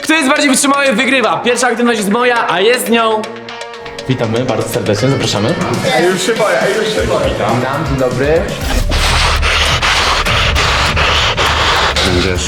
Kto jest bardziej wytrzymały, wygrywa. Pierwsza aktywność jest moja, a jest nią... Witamy bardzo serdecznie, zapraszamy. Już się boję. Witam, dzień dobry. Będziesz.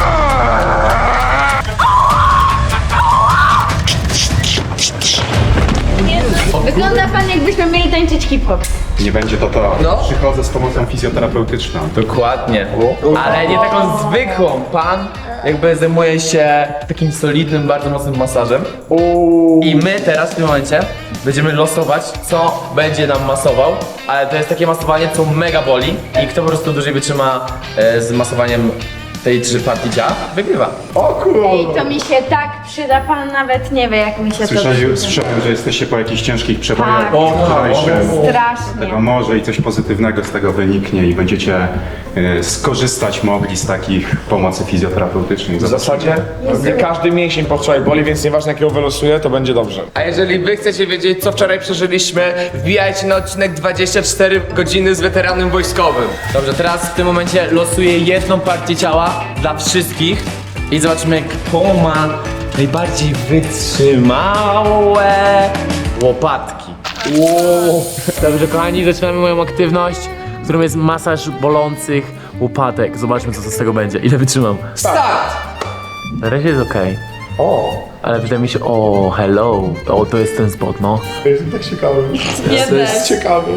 Wygląda pan, jakbyśmy mieli tańczyć hip-hop. Nie będzie to. No. Przychodzę z pomocą fizjoterapeutyczną. Dokładnie. Ale nie taką zwykłą. Pan jakby zajmuje się takim solidnym, bardzo mocnym masażem. I my teraz w tym momencie będziemy losować, co będzie nam masował. Ale to jest takie masowanie, co mega boli. I kto po prostu dłużej wytrzyma z masowaniem tej 3 partii ciała, wygrywa. Ej, to mi się tak przyda, pan nawet nie wie, jak mi się to Słyszałem, przyda. że jesteście po jakichś ciężkich przebojach Tak. wczorajszym. Strasznie. Tego może i coś pozytywnego z tego wyniknie i będziecie skorzystać mogli z takich pomocy fizjoterapeutycznej. W zasadzie nie każdy mięsień po wczoraj boli, więc nieważne jakiego wylosuję, to będzie dobrze. A jeżeli wy chcecie wiedzieć, co wczoraj przeżyliśmy, wbijajcie na odcinek 24 godziny z weteranem wojskowym. Dobrze, teraz w tym momencie losuję jedną partię ciała dla wszystkich i zobaczymy, kto ma najbardziej wytrzymałe łopatki. Dobrze, kochani, zaczynamy moją aktywność, którą jest masaż bolących łopatek. Zobaczmy, co z tego będzie. Ile wytrzymam. Start! Na razie jest okej. Ale wydaje mi się, hello. To jest ten spot, no. To jest tak ciekawe. To jest ciekawe.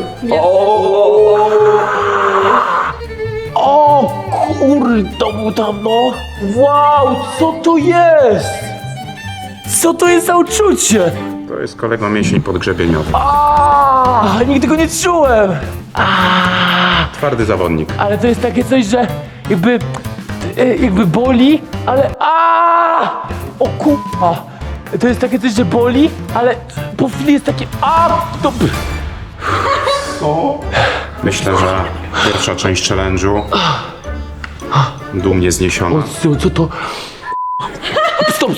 O kurde, to był tam, no. Wow, co to jest? Co to jest za uczucie? To jest kolego mięsień podgrzebieniowy. Nigdy go nie czułem. Twardy zawodnik. Ale to jest takie coś, że jakby boli, ale o kurwa. To jest takie coś, że boli, ale po chwili jest takie to... Myślę, że pierwsza część challenge'u dumnie zniesiona. Co to? Stop.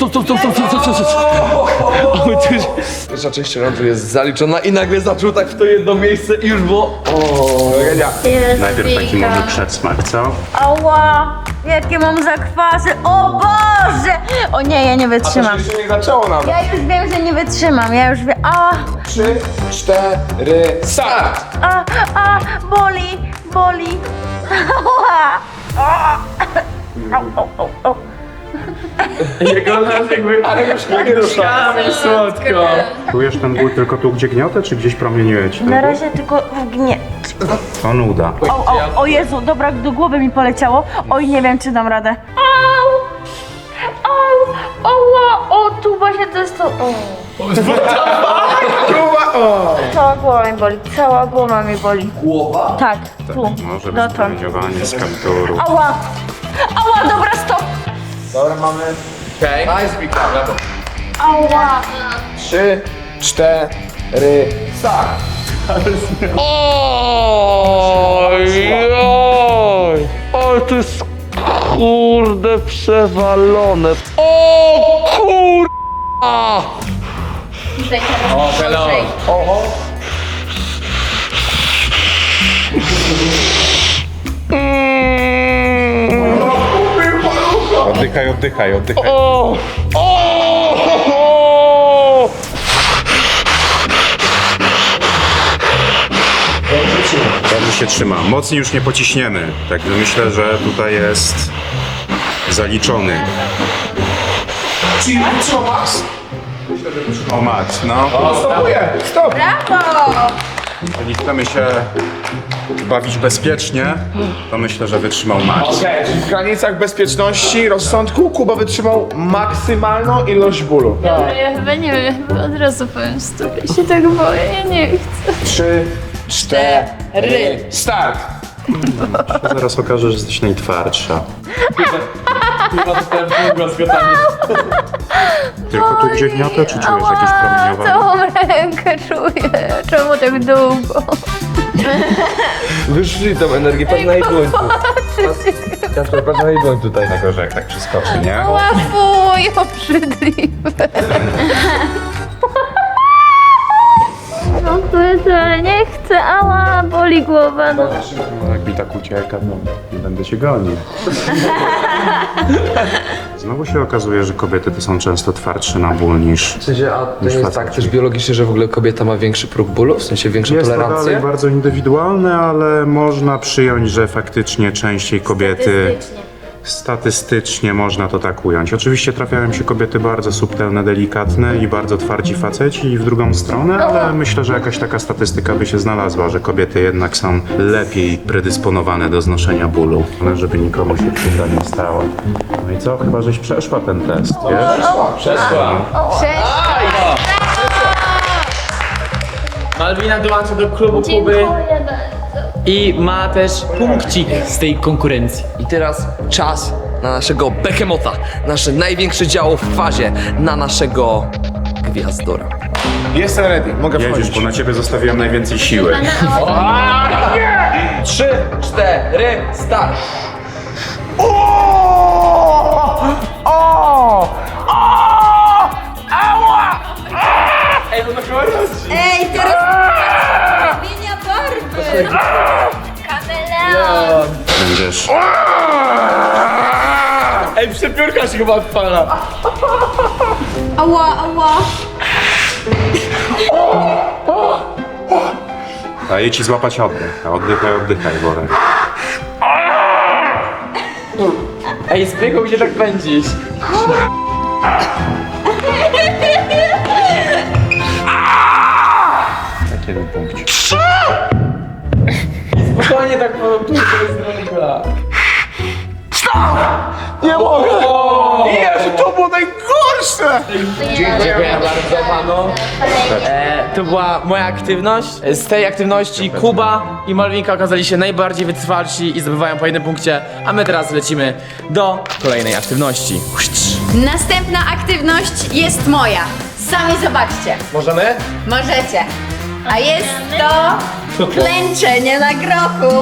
Pierwsza część challenge'u jest zaliczona i nagle zaczął tak w to jedno miejsce i już było... Najpierw taki może przedsmak, co? Ała, jakie mam zakwasy, o Boże! O nie, ja nie wytrzymam. Jeszcze nie zaczęło nam. Ja już wiem, że nie wytrzymam, ja już wiem, 3, 4, start! boli. Ała. Au. Jego nas jakby... Ale już nie rusza. Słodko. Czujesz ten ból tylko tu, gdzie gniotę, czy gdzieś promieniuje ci ten Na ból? razie tylko w To nuda. O Jezu, dobra, do głowy mi poleciało. Oj, nie wiem, czy dam radę. O, tu właśnie to jest to. Cała głowa mi boli, cała głowa mi boli. Głowa? Tak, tu, Może być dotąd. promieniowanie z kapturu. Ała, dobra, stop. Dobra, mamy Okej. Nice, Wika, brawo. Ała. 3, 4, start! Ale to jest kurde przewalone. O kurwa! O, hello. Oddychaj. Dobrze się trzyma. Mocniej już nie pociśniemy. Także myślę, że tutaj jest zaliczony. O Max, no. Stopuję, stop! Jeżeli chcemy się bawić bezpiecznie, to myślę, że wytrzymał Max. Okej, czyli w granicach bezpieczności, rozsądku Kuba wytrzymał maksymalną ilość bólu. Dobra, ja chyba nie wiem, ja chyba od razu powiem stop. Ja się tak boję, ja nie chcę. 3, 4, start! Zaraz okaże, że jesteś najtwardsza. Tylko tu gdzie gniotę, czy czujesz jakieś promieniowanie? Całą rękę czuję. Czemu tak długo? Wyszli tą energię, patrz na jej dłoń tu. Kasper, patrz na jej dłoń tutaj. Tego, że jak tak przyskoczy, nie? Łafuj, obrzydliwe. No to ale nie chcę, ała, boli głowa. No. Jak mi tak ucieka, no nie będę cię gonił. Znowu się okazuje, że kobiety to są często twardsze na ból niż... W sensie, a to Niż jest faceci. tak też biologicznie, że w ogóle kobieta ma większy próg bólu? W sensie większą Jest to tolerancję? dalej bardzo indywidualne, ale można przyjąć, że faktycznie częściej kobiety... Statystycznie można to tak ująć. Oczywiście trafiają się kobiety bardzo subtelne, delikatne i bardzo twardzi faceci i w drugą stronę, ale myślę, że jakaś taka statystyka by się znalazła, że kobiety jednak są lepiej predysponowane do znoszenia bólu. Ale żeby nikomu się krzywda nie stała. No i co? Chyba żeś przeszła ten test, wiesz? Przeszła. Malwina dołącza do klubu Kuby Dziękuję bardzo. i ma też punkcik z tej konkurencji. I teraz czas na naszego Behemota, nasze największe działo w fazie, na naszego Gwiazdora. Jestem ready, mogę Jedziesz, wchodzić. bo na ciebie zostawiłem najwięcej siły. 3, 4, start! Ej, teraz zmienia barwy. Kameleon. Będziesz... Ej, przepiórka się chyba odpala. Ała, ała. Daję ci złapać oddech. Oddychaj, oddychaj, Borek. Ej, zbiegł gdzie tak pędzisz. Tak jeden punkcik. Spokojnie tak po tu jest droga. Nie mogę! Jezu, to było najgorsze! Dziękuję bardzo panu. To była moja aktywność. Z tej aktywności Kuba i Malwinka okazali się najbardziej wytrwalsi i zdobywają po jednym punkcie, a my teraz lecimy do kolejnej aktywności. Następna aktywność jest moja. Sami zobaczcie. Możemy? Możecie. A jest to klęczenie na grochu.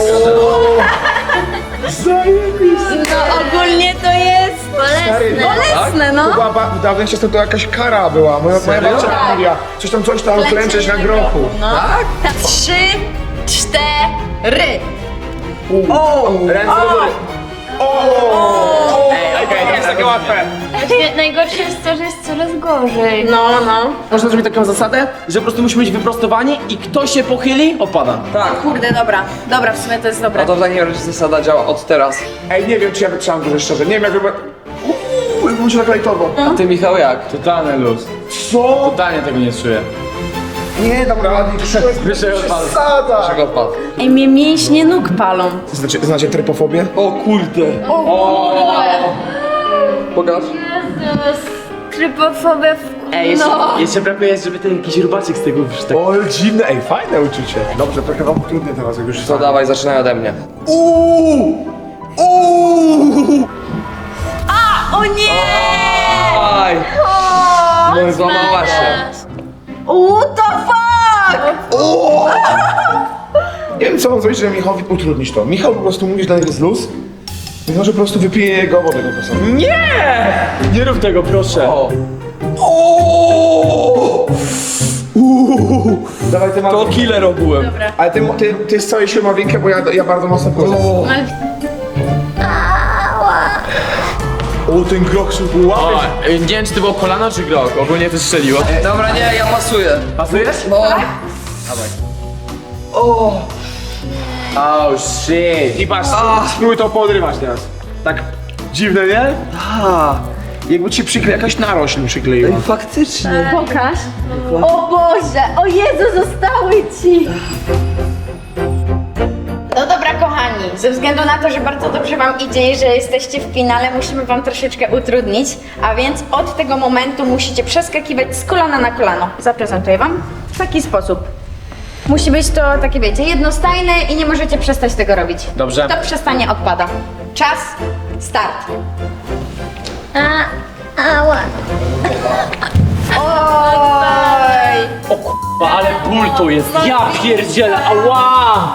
No ogólnie to jest bolesne, no. Chyba dawniej często to jakaś kara była. Moja babcia mówiła, coś tam klęczeć na grochu. No. Tak. 3, 4. Ręce do góry. Okej, jest takie łatwe. Właśnie najgorsze jest to, że jest coraz gorzej. No, no. Można zrobić taką zasadę, że po prostu musimy być wyprostowani i kto się pochyli, opada. Kurde, dobra. Dobra, w sumie to jest dobre. A to w takim razie zasada działa od teraz. Ej, nie wiem, czy ja wytrzymam dużo szczerze. Nie wiem, jakby... Jakbym się tak lajtował. A ty, Michał, jak? Totalny luz. Co? Totalnie tego nie czuję. Nie dam rady. Wyżej odpadu. Przesada. Czego odpadł? Ej, mnie mięśnie nóg palą. Znacie trypofobię? O kurde! Pokaż. Jezus. Trypofobia w... Ej, jeszcze brakuje, żeby ten jakiś rubaczek z tego wyszedł. O, dziwne, ej, fajne uczucie. Dobrze, trochę wam trudne teraz, jak już To dawaj, zaczynaj ode mnie. O nie! Aj! No złamała się. What the fuck? Nie wiem, co mam zrobić, żeby Michałowi utrudnić to. Michał po prostu mówi, że dla niego jest luz. Więc może po prostu wypije jego wodę po prostu. Nie rób tego, proszę. Dawaj, ty To masz... killer ogółem. Ale ty z całej siły Malwinkę, bo ja bardzo mocno wchodzę. O, ten groch się łapie. Nie wiem, czy to było kolano, czy grok. Ogólnie to strzeliło. Dobra, nie, ja pasuję. Pasujesz? No. Oh shit. I patrz, spróbuj to podrywać teraz. Tak dziwne, nie? Jakby ci jakaś narośl przykleiła. Faktycznie. Pokaż. O Boże, o Jezu, zostały ci. No dobra, kochani, ze względu na to, że bardzo dobrze wam idzie i że jesteście w finale, musimy wam troszeczkę utrudnić, a więc od tego momentu musicie przeskakiwać z kolana na kolano. Zaprezentuję wam w taki sposób. Musi być to takie, wiecie, jednostajne i nie możecie przestać tego robić. Dobrze. Kto przestanie, odpada. Czas, start. Ała. Oj! O k***a, ale ból to jest. Ja pierdzielę, ała!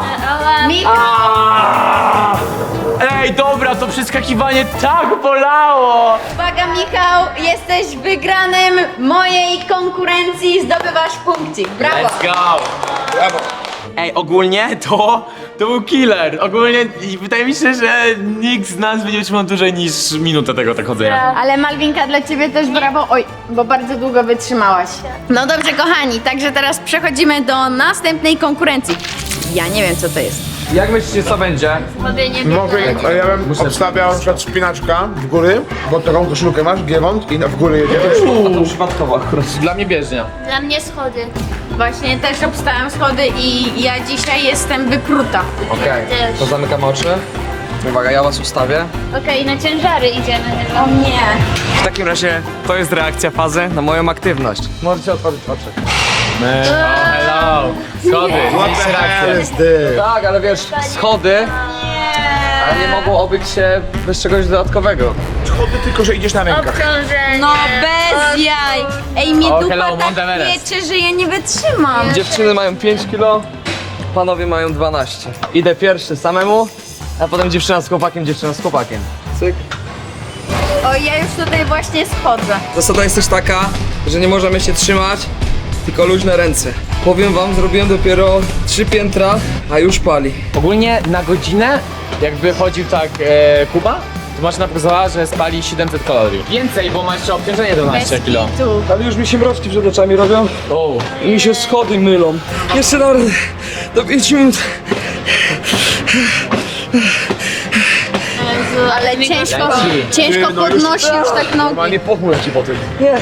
Michał, Ej, dobra, to przeskakiwanie tak bolało! uwaga Michał, jesteś wygranym mojej konkurencji, zdobywasz punkcik. Brawo! Let's go! Brawo. Ej, ogólnie to To był killer. Ogólnie i wydaje mi się, że nikt z nas będzie trzymał dłużej niż minutę tego tak chodzenia. Ale Malwinka, dla ciebie też brawo. Oj, bo bardzo długo wytrzymałaś. No dobrze, kochani, także teraz przechodzimy do następnej konkurencji. Ja nie wiem, co to jest. Jak myślicie, co będzie? Mogę nie Mogę, ja bym obstawiał na przykład spinaczka w góry, bo taką koszulkę masz, giewont i w góry jedziesz. Przypadkowo akurat. Dla mnie bieżnia. Dla mnie schody. Właśnie też obstałam schody i ja dzisiaj jestem wypruta. Okej, Też. to zamykam oczy. Uwaga, ja was ustawię. Okej, na ciężary idziemy chyba. O nie. W takim razie to jest reakcja fazy na moją aktywność. Możecie otworzyć oczy. Hello. Schody. Mieliście rację. Tak, ale wiesz, schody, ale nie mogą obyć się bez czegoś dodatkowego. Schody tylko, że idziesz na rękach. Obciążenie. No bez jaj. Ej, mnie O, dupa hello, Mount tak Everest. wieczy, że ja nie wytrzymam. Dziewczyny mają 5 kilo, panowie mają 12. Idę pierwszy samemu, a potem dziewczyna z chłopakiem, dziewczyna z chłopakiem. Cyk. O, ja już tutaj właśnie schodzę. Zasada jest też taka, że nie możemy się trzymać, tylko luźne ręce. Powiem wam, zrobiłem dopiero 3 piętra, a już pali. Ogólnie na godzinę, jakby chodził tak Kuba, to maszyna pokazała, że spali 700 kalorii. Więcej, bo ma jeszcze obciążenie 12 kg. Tu. Ale już mi się mroczki przed oczami robią O, i mi się schody mylą. Jeszcze naprawdę do 5 minut. Ale ciężko Leci. podnosi już tak nogi. Nie pochmurę ci po tym.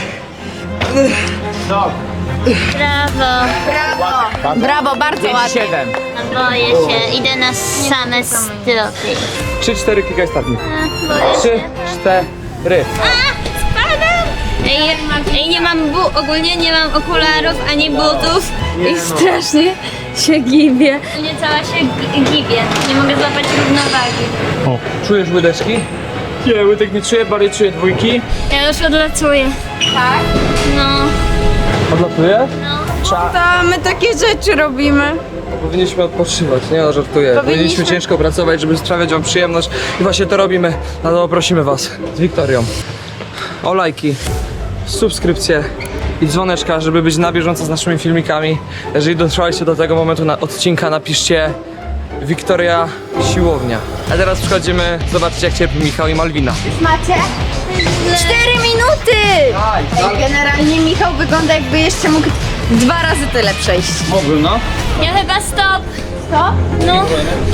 Brawo. Brawo. Brawo, bardzo ładnie. 7. Boję się. Idę na same stopy. 3-4 klikaj startnik. Boję 3, się. 4. Spadam! Ej, nie mam ogólnie nie mam okularów ani butów i strasznie się gibię. Nie cała się gibię. Nie mogę złapać równowagi. Czujesz łydeczki? Nie, łydek nie czuję, bardziej czuję dwójki. Ja już odlatuję. Tak? No. Odlatuje? To my takie rzeczy robimy. Powinniśmy odpoczywać, nie no, żartuję. Powinniśmy ciężko pracować, żeby sprawiać wam przyjemność i właśnie to robimy. No to prosimy was z Wiktorią o lajki, subskrypcje i dzwoneczka, żeby być na bieżąco z naszymi filmikami. Jeżeli dotrwaliście do tego momentu odcinka, napiszcie Wiktoria Siłownia. A teraz przechodzimy zobaczyć, jak cierpi Michał i Malwina. Macie? 4 minuty! Ej, generalnie Michał wygląda, jakby jeszcze mógł 2 razy tyle przejść. Mógłbym, no. Ja chyba stop. Co? No.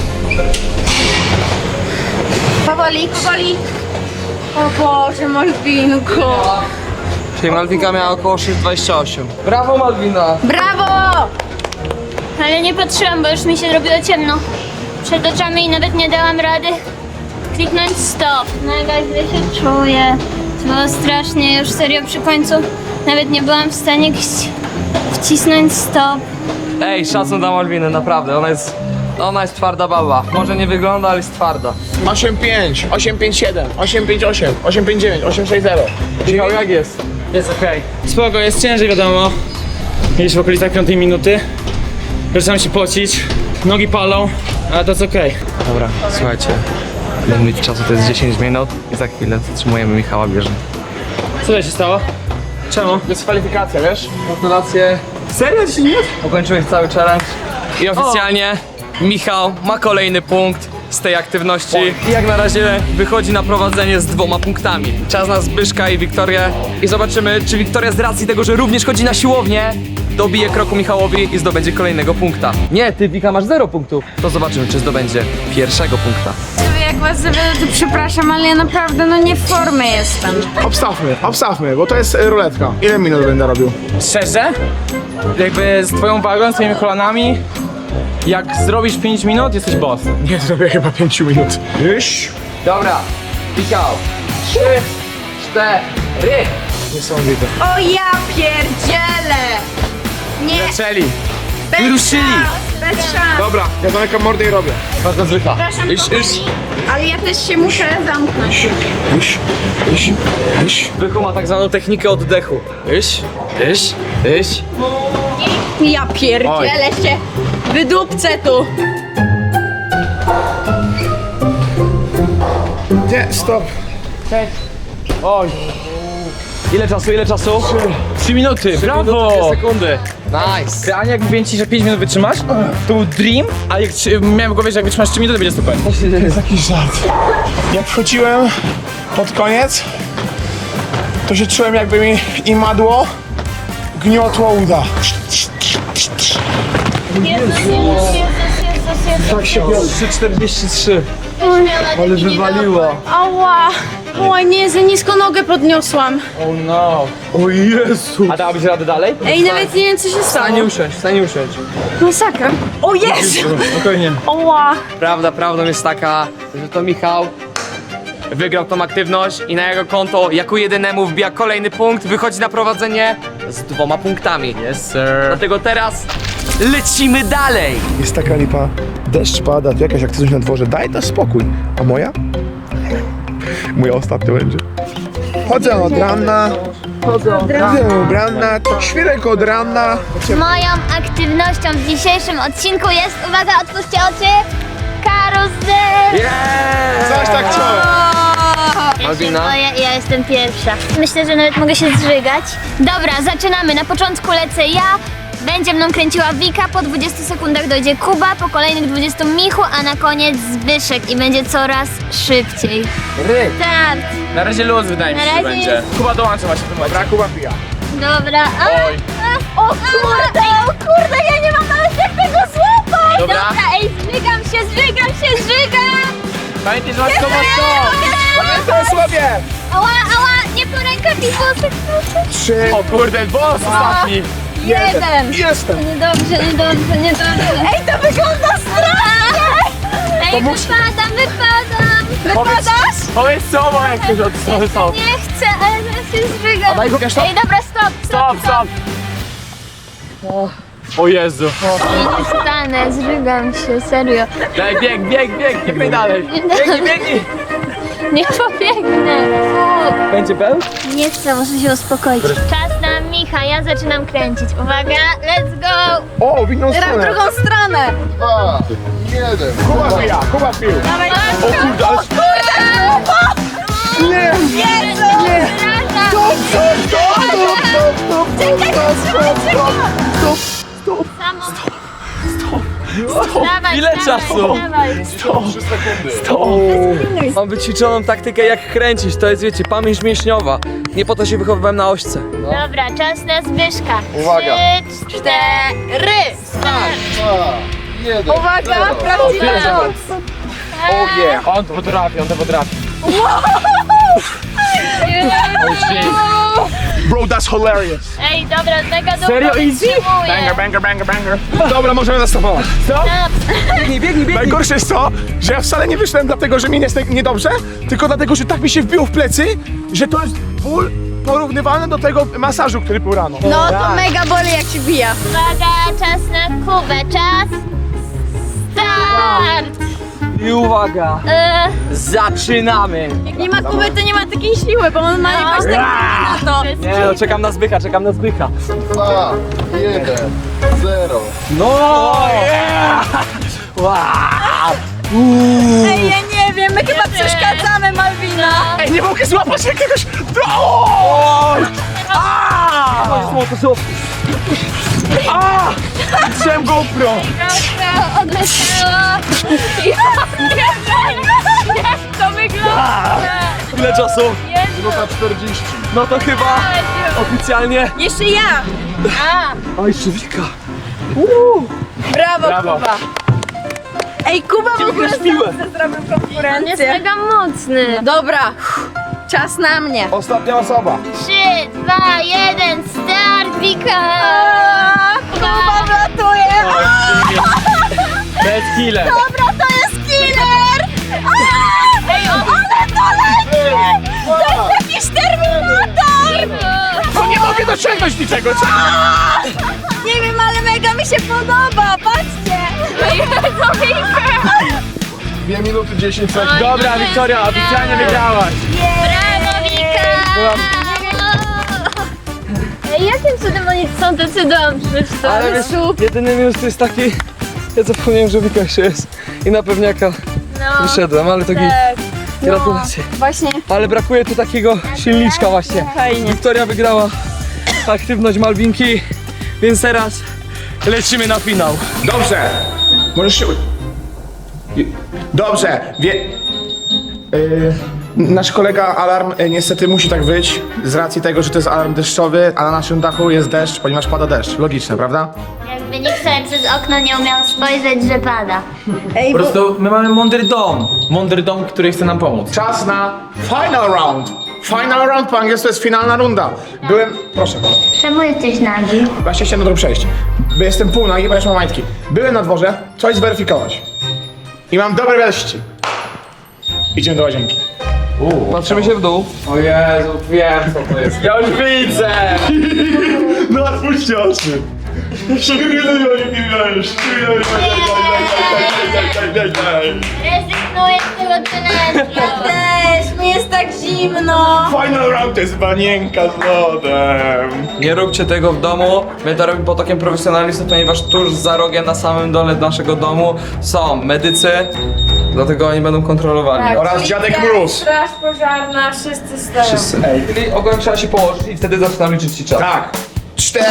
Powoli, powoli. O Boże, Malwinko. Czyli Malwinka miała około 6,28. Brawo Malwina! Brawo! Ale nie patrzyłam, bo już mi się robiło ciemno przed oczami i nawet nie dałam rady kliknąć stop. Mega źle się czuję. To było strasznie, już serio przy końcu nawet nie byłam w stanie wcisnąć stop. Ej, szacun dla Malwiny, naprawdę, ona jest twarda baba. Może nie wygląda, ale jest twarda. 8,5, 8,57, 8,58, 8,59, 8,60. Michał, jak jest? Jest okej. Spoko, jest ciężej, wiadomo. Mieliśmy w okolicach 5 minuty. Zaczynam się pocić, nogi palą, ale to jest okej. Dobra, słuchajcie. Limit czasu to jest 10 minut i za chwilę zatrzymujemy Michała bieżnie. Co tutaj się stało? Czemu? Dyskwalifikacja, wiesz? Gratulacje. Serio? 10 minut? Ukończyłeś cały challenge. I oficjalnie Michał ma kolejny punkt z tej aktywności. I jak na razie wychodzi na prowadzenie z 2 punktami. Czas na Zbyszka i Wiktorię. I zobaczymy, czy Wiktoria z racji tego, że również chodzi na siłownię, dobije kroku Michałowi i zdobędzie kolejnego punkta. Nie, ty Wika masz 0 punktów. To zobaczymy, czy zdobędzie pierwszego punkta. Jak was zawiodę, to przepraszam, ale ja naprawdę nie w formie jestem. Obstawmy, bo to jest ruletka. Ile minut będę robił? Szczerze? Jakby z twoją wagą, z twoimi kolanami, jak zrobisz 5 minut, jesteś boss. Nie zrobię chyba 5 minut. Iść. Dobra, Michał. 3, 4. Niesamowite. O ja pierdzielę! Nie, Zaczęli. bez wyruszyli. szans, bez szans. Dobra, ja zamykam mordę i robię. Bardzo zwykła. Przepraszam, Iść. ale ja też się muszę zamknąć. Iść. Byku ma tak zwaną technikę oddechu. Iść. Ja pierdzielę się, wydupcę tu. Nie, stop. Oj. Ile czasu, ile czasu? 3 minuty, brawo! 2 sekundy. Nice. Realnie jak mówiłem ci, że 5 minut wytrzymasz, to był dream, a jak miałem w głowie, że jak wytrzymasz 3 minuty, to będzie super. To jest jakiś żart. Jak wchodziłem pod koniec, to się czułem, jakby mi imadło gniotło uda. Tak się biorę. 3,43. Ale wywaliło. Ała! Oj, nie, za nisko nogę podniosłam. Oh no. O Jezu. A dałabyś radę dalej? Ej, nawet nie wiem, co się stało. Stanie usiąść, stanie usiąść. Masakra. O Jezu! Spokojnie. Ała! Prawdą jest taka, że to Michał wygrał tą aktywność i na jego konto jako jedynemu wbija kolejny punkt, wychodzi na prowadzenie z 2 punktami. Yes sir. Dlatego teraz lecimy dalej. Jest taka lipa, deszcz pada, tu jakaś aktywność na dworze, daj to spokój. A moja? Moja ostatnia będzie. Chodzę od rana, świerek od rana. Moją aktywnością w dzisiejszym odcinku jest, uwaga, otwórzcie oczy, karuzel! Coś tak chciałem. Ja się Albina? boję, ja jestem pierwsza. Myślę, że nawet mogę się zżygać. Dobra, zaczynamy. Na początku lecę ja. Będzie mną kręciła Wika, po 20 sekundach dojdzie Kuba, po kolejnych 20 Michu, a na koniec Zbyszek i będzie coraz szybciej. Ry. Start! Na razie luz wydaje mi się, Na że razie będzie. jest- Kuba dołącza właśnie w tym momencie. Kuba pija. Dobra. Oj. O kurde, ja nie mam nawet jak tego złapać! Dobra. Ej, zżygam się! Pamiętaj, że masz to mocno. Pamiętaj sobie! Ała, nie po rękawicach. 3, O kurde, boss ostatni. 1. jestem. Niedobrze. Ej, to wygląda strasznie! Ej, wypadam! Powiedz co, bo jak ktoś od strony są. Nie chcę, ale teraz się zżygam. daj go, wiesz to? Ej, dobra, stop. O Jezu. Nie stanę, zżygam się, serio. Daj, bieg, biegnij dalej. Biegnij. Nie pobiegnę. Będzie pełny? Nie chcę, muszę się uspokoić. Czas na Micha, ja zaczynam kręcić. Uwaga, let's go! O, w inną stronę. Drugą stronę! Kuba pił. O kurde, Nie! Dawaj, Ile dawaj, czasu? dawaj. Mam wyćwiczoną taktykę jak kręcić, to jest wiecie, pamięć mięśniowa. Nie po to się wychowywałem na ośce. Dobra, czas na Zbyszka. Uwaga. 3, 4, start! Uwaga, prawdziwa moc! On to potrafi. Bro, that's hilarious. Ej, dobra, mega długo Serio, easy? wytrzymuję. Banger. Dobra, możemy zastopować. Stop. Biegnij. Najgorsze jest to, że ja wcale nie wyszedłem dlatego, że mi jest niedobrze, tylko dlatego, że tak mi się wbiło w plecy, że to jest ból porównywalny do tego masażu, który był rano. No to mega boli, jak się bija. Uwaga, czas na Kubę, czas. Start! I uwaga, zaczynamy. Jak nie ma Kuby, to nie ma takiej siły, bo on ma jakoś tak na to. Nie no, czekam na Zbycha. 2, 1, 0. No! Yeah! Wow! Ej, ja nie wiem, my chyba przeszkadzamy, Malwina. Ej, nie mogę złapać jakiegoś... Chciałem GoPro! Trochę odleciała. Jak to wygląda? Ile czasu? Minuta 40. No to chyba oficjalnie... Jeszcze ja. Oj, Żywika. Brawo, Kuba. Ej, Kuba w ogóle piłę. sam zrobił On jest konkurencję. mega mocny. Dobra, czas na mnie. Ostatnia osoba. 3, 2, 1, start, Wika! Kuba wlatuje. Bez killer. Dobra, to jest killer. Ej, ale to leci. To jest jakiś Terminator. No nie mogę dosięgnąć niczego, co? Nie wiem, ale mega mi się podoba, patrzcie. 2 minuty 10 sekund. Dobra, Wiktoria, oficjalnie wygrałaś. Brawo, Wika! Ej, jakim cudem oni są tacy dobrzy? Ale wiesz, jedyny minus to jest taki... Ja zapomniałem, że Wika jeszcze jest. I na pewniaka wyszedłem, ale to git. Gratulacje. Właśnie. Ale brakuje tu takiego silniczka właśnie. Fajnie. Wiktoria wygrała aktywność Malwinki, więc teraz lecimy na finał. Dobrze. Możesz się... Dobrze. Nasz kolega Alarm niestety musi tak wyjść z racji tego, że to jest alarm deszczowy, a na naszym dachu jest deszcz, ponieważ pada deszcz. Logiczne, prawda? Jakby nikt sobie przez okno nie umiał spojrzeć, że pada. Ej, Po prostu my mamy mądry dom. Mądry dom, który chce nam pomóc. Czas na final round. Final round po angielsku to jest finalna runda. Proszę. Czemu jesteś nagi? Właśnie chciałem do tego przejść. Bo jestem pół nagi, ponieważ mam majtki. Byłem na dworze, coś zweryfikować. I mam dobre wieści. Idziemy do łazienki. Patrzymy się w dół. O Jezu, wiem co to jest. Ja już widzę! No otwórzcie oczy. Rezygnuję z tego tunelu. też, mi jest tak zimno. Final round to jest banienka z lodem. Nie róbcie tego w domu. My to robimy pod okiem profesjonalistów, ponieważ tuż za rogiem na samym dole naszego domu są medycy, dlatego oni będą kontrolowali. Oraz Policja, dziadek Mróz. Straż pożarna, wszyscy stoją. Ej, czyli ogólnie trzeba się położyć i wtedy zaczynam liczyć ci czas. Tak. 4.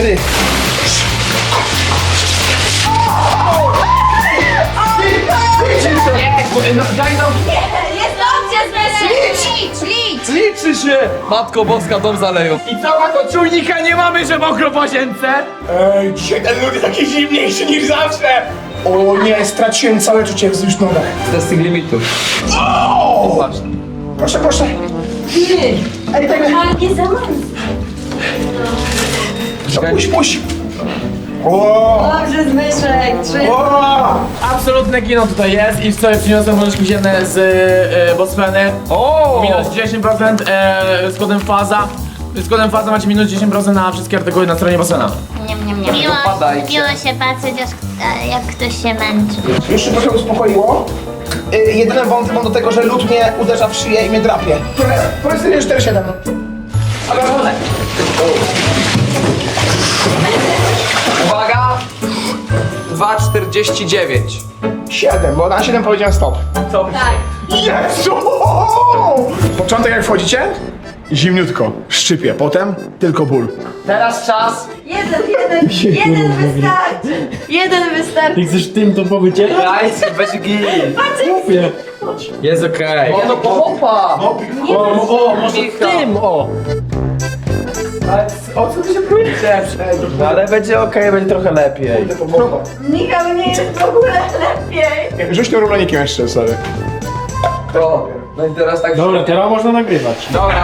Jest opcja zmiany. Licz. Liczy się! Matko Boska, dom zaleją. I co ma to czujnika nie mamy, że mokro w łazience? Ej, dzisiaj ten lód jest taki zimniejszy niż zawsze. O nie, straciłem całe czucie wzdłuż nogach. Testing limitów. Patrz. Proszę, proszę. Ej, tak. Ale nie zamarzł. Puść. O! Dobrze, Zbyszek. O! Absolutne kino tutaj jest i sobie przyniosłem łyżki ziemne z Bosfeny. Minus 10% z kodem FAZA. Z kodem FAZA macie minus 10% na wszystkie artykuły na stronie Bosfena. Miło, Dopadajcie. miło się patrzeć, jak ktoś się męczy. Już się trochę uspokoiło. Jedyny wątek mam do tego, że lód mnie uderza w szyję i mnie drapie. Powiedz 4-7. Ale Uwaga! 2,49. 7, bo na 7 powiedziałem stop. Jezu! Początek jak wchodzicie? Zimniutko, szczypie, potem tylko ból. Teraz czas. Jeden wystarczy. Jeden wystarczy. Chcesz tym to powiedzieć? Dajcie, weź git. Jest okej. No pochopa! O, może tym, o. O co ty się próbujesz? No ale będzie okej, będzie trochę lepiej. Michał, nie jest w ogóle lepiej. Rzuć tym rulonikiem jeszcze sobie. O, no i teraz tak. Dobra, teraz można nagrywać. Dobra.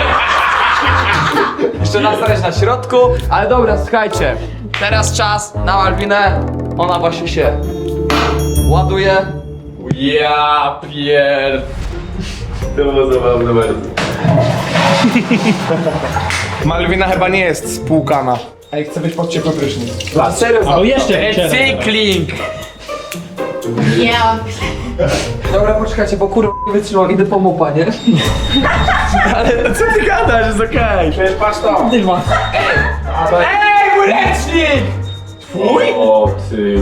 Jeszcze raz stać na środku, ale dobra, słuchajcie. Teraz czas na Malwinę. Ona właśnie się ładuje. Ja pier... To było zabawne bardzo. Malwina chyba nie jest spłukana. Ej, chcę być pod ciepły prysznic. Serio? O, jeszcze. Recykling! Ja. Dobra, poczekajcie, bo kurwa nie wytrzymam, idę po mopa, nie? Ale co ty gadasz, jest okej. Przecież patrz to. Dywa. Ej, mój ręcznik! Twój? O ty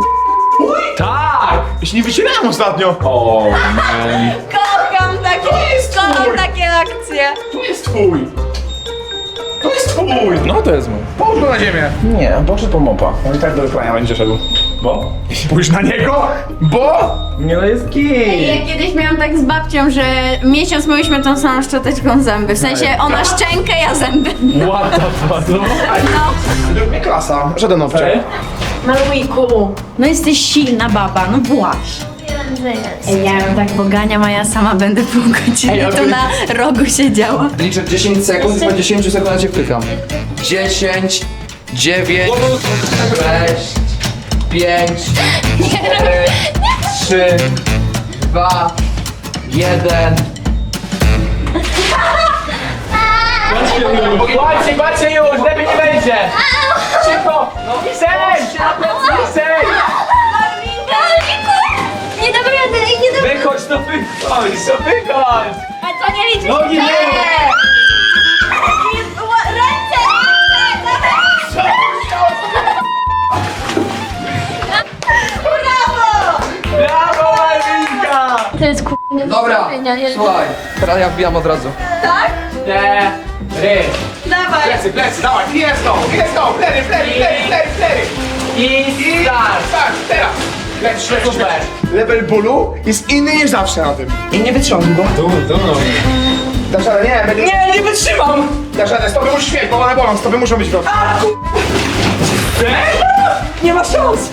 Tak! Jeśli nie wycierałem ostatnio. O man. Kocham takie akcje. To jest twój. To jest twój. No to jest mój. Połóż go na ziemię. Nie, poszedł po mopa. On i tak do wyprania będzie szedł. Bo? Spójrz na niego, bo... Nie no jest git. Ja kiedyś miałam tak z babcią, że miesiąc myliśmy tą samą szczoteczką zęby. W sensie ona szczękę, ja zęby. What the fuck? No. Nie klasa, żaden owczek. Malujku. No jesteś silna baba, no właśnie. Ej, ja ją tak poganiam, a ja sama będę pół godziny tu na rogu siedziała. Liczę 10 sekund i po 10 sekundach cię wtykam. 10, 9, 6, 5, 4, 3, 2, 1. Patrzcie już, lepiej nie będzie! Cicho! No przejdź! Nie dam rady, nie dam rady. Wychodź, to wychodź! A to nie liczy się. Nogi nie! Ręce! Brawo, Malwinka! To jest Dobra, Teraz ja wbijam od razu. Dawaj. Plecy, dawaj, jest to, plery. I start! Tak, teraz. Super! Level bólu jest inny niż zawsze na tym. I nie wytrzymam go. Dasz radę, nie, będzie... Nie wytrzymam! Dasz radę, stopy musisz mieć, bo one bolą, stopy muszą być proste. Nie ma szans!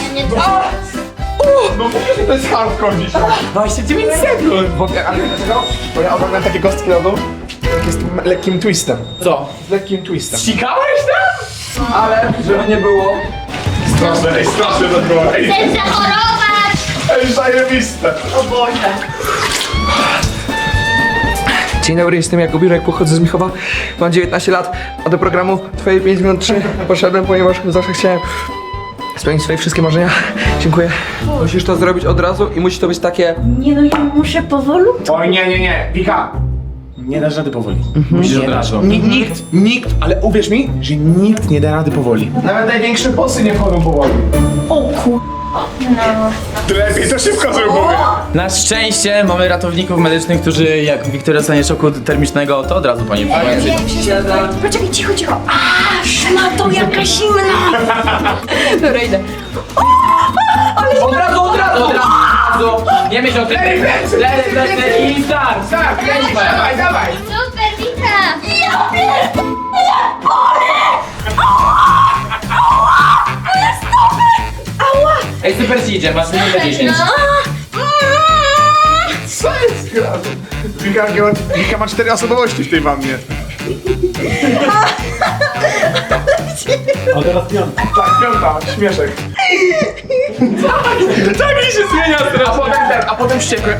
No mówię, że to jest hardcore dzisiaj. 29 sekund! Ale dlaczego? Bo ja oglądam takie kostki lodu, jak jest lekkim twistem. Co? Z lekkim twistem. Cikałeś tam? Ale, żeby nie było. Straszne to było. Chcesz zachorować! Ej, zajebiste. Dzień dobry, jestem Jakub Jurek, pochodzę z Michowa, mam 19 lat, a do programu Twoje 5 minut 3 poszedłem, ponieważ zawsze chciałem spełnić swoje wszystkie marzenia. Dziękuję. Musisz to zrobić od razu i musi to być takie... Nie no, ja muszę powolutku. Oj, nie, Wika. Nie dasz rady powoli. Musisz od razu. Nikt, ale uwierz mi, że nikt nie da rady powoli. Nawet największe bossy nie chodzą powoli. Ty lepiej to szybko zrobię. Na szczęście mamy ratowników medycznych, którzy jak Wiktoria dostanie szoku termicznego, to od razu po niej przyjdzie. Poczekaj, cicho. A, szmato, jaka zimna. Dobra, idę. Od razu! Nie myśl o tym. Lery i start! Tak, dawaj. Super, Wika! Ja pierdolę, Ej, super ci idzie, masz minutę 10. Co jest grane? Wika ma 4 osobowości w tej wannie. A teraz piątka. Tak, piąta, śmieszek. Tak mi się zmienia A potem a potem wściekły.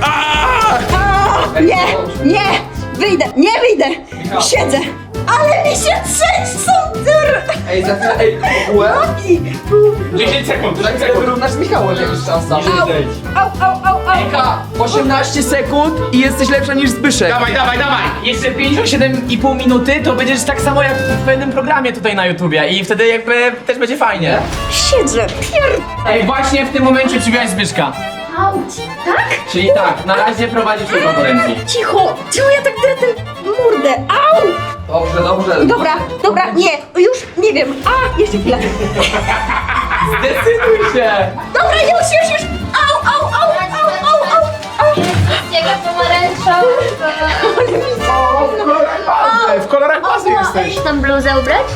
Nie, nie wyjdę. Siedzę. Ale mi się trzęsą. Ej, za chwilę, ej, w ogóle? 10 sekund, Wyrównasz z Michałem jakiś czas tam. Au. Eka, 18 sekund i jesteś lepsza niż Zbyszek. Dawaj. Jeszcze 57,5 minuty, to będziesz tak samo jak w pewnym programie tutaj na YouTubie i wtedy jakby też będzie fajnie. Siedzę. Ej, właśnie w tym momencie przybiłaś Zbyszka. Auć, tak? Czyli tak, na razie prowadzisz do konkurencji. Cicho, ja tak drę tę mordę. Au! Dobrze. Dobra, nie, już nie wiem. A, jeszcze chwilę. Zdecyduj się! Dobra, już. Au. Jego pomarańczowy. W kolorach bazy jesteś. Tą bluzę ubrać?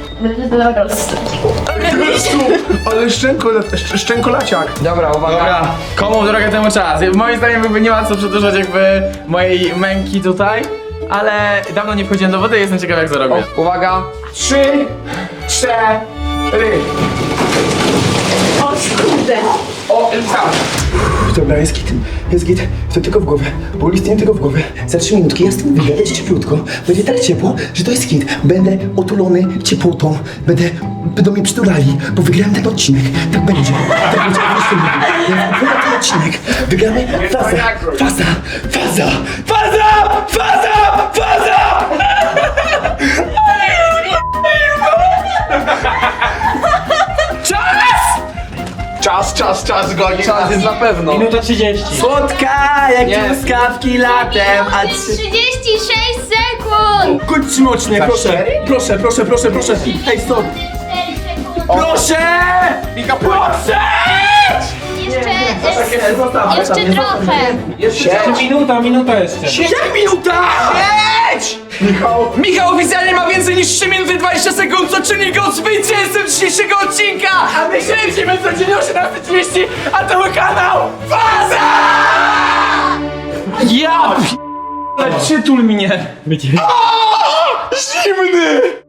Ale szczękolaciak. Dobra, uwaga. Dobra, komu drogę temu czas? Moim zdaniem jakby nie ma co przedłużać jakby mojej męki tutaj, ale dawno nie wchodziłem do wody i jestem ciekaw jak zarobię. Uwaga. 3, 4. O kurde. O, Elisa. Dobra, jest git, to tylko w głowę, bo listnie tylko w głowę. Za 3 minutki ja z tym wyjdę, będzie cieplutko, będzie tak ciepło, że to jest hit. Będę otulony ciepłotą, będą mnie przytulali, bo wygrałem ten odcinek. Tak będzie, ja wygram ten odcinek, wygramy faza! Czas goni. Czas jest na pewno. Minuta 30. Słodka jak Nie. truskawki latem, a 36 sekund! Kuć mocznie, proszę. Proszę. Hej, stop. 4 sekundy. proszę! Wika, proszę! Jeszcze trochę. Jeszcze minuta jeszcze. Jak minuta? Michał oficjalnie ma więcej niż 3 minuty 20 sekund, co czyni go zwycięzcą dzisiejszego odcinka! A my śledzimy codziennie o 17:30, a to mój kanał Faza! Ja p***le, przytul mnie! Będzie. Zimny!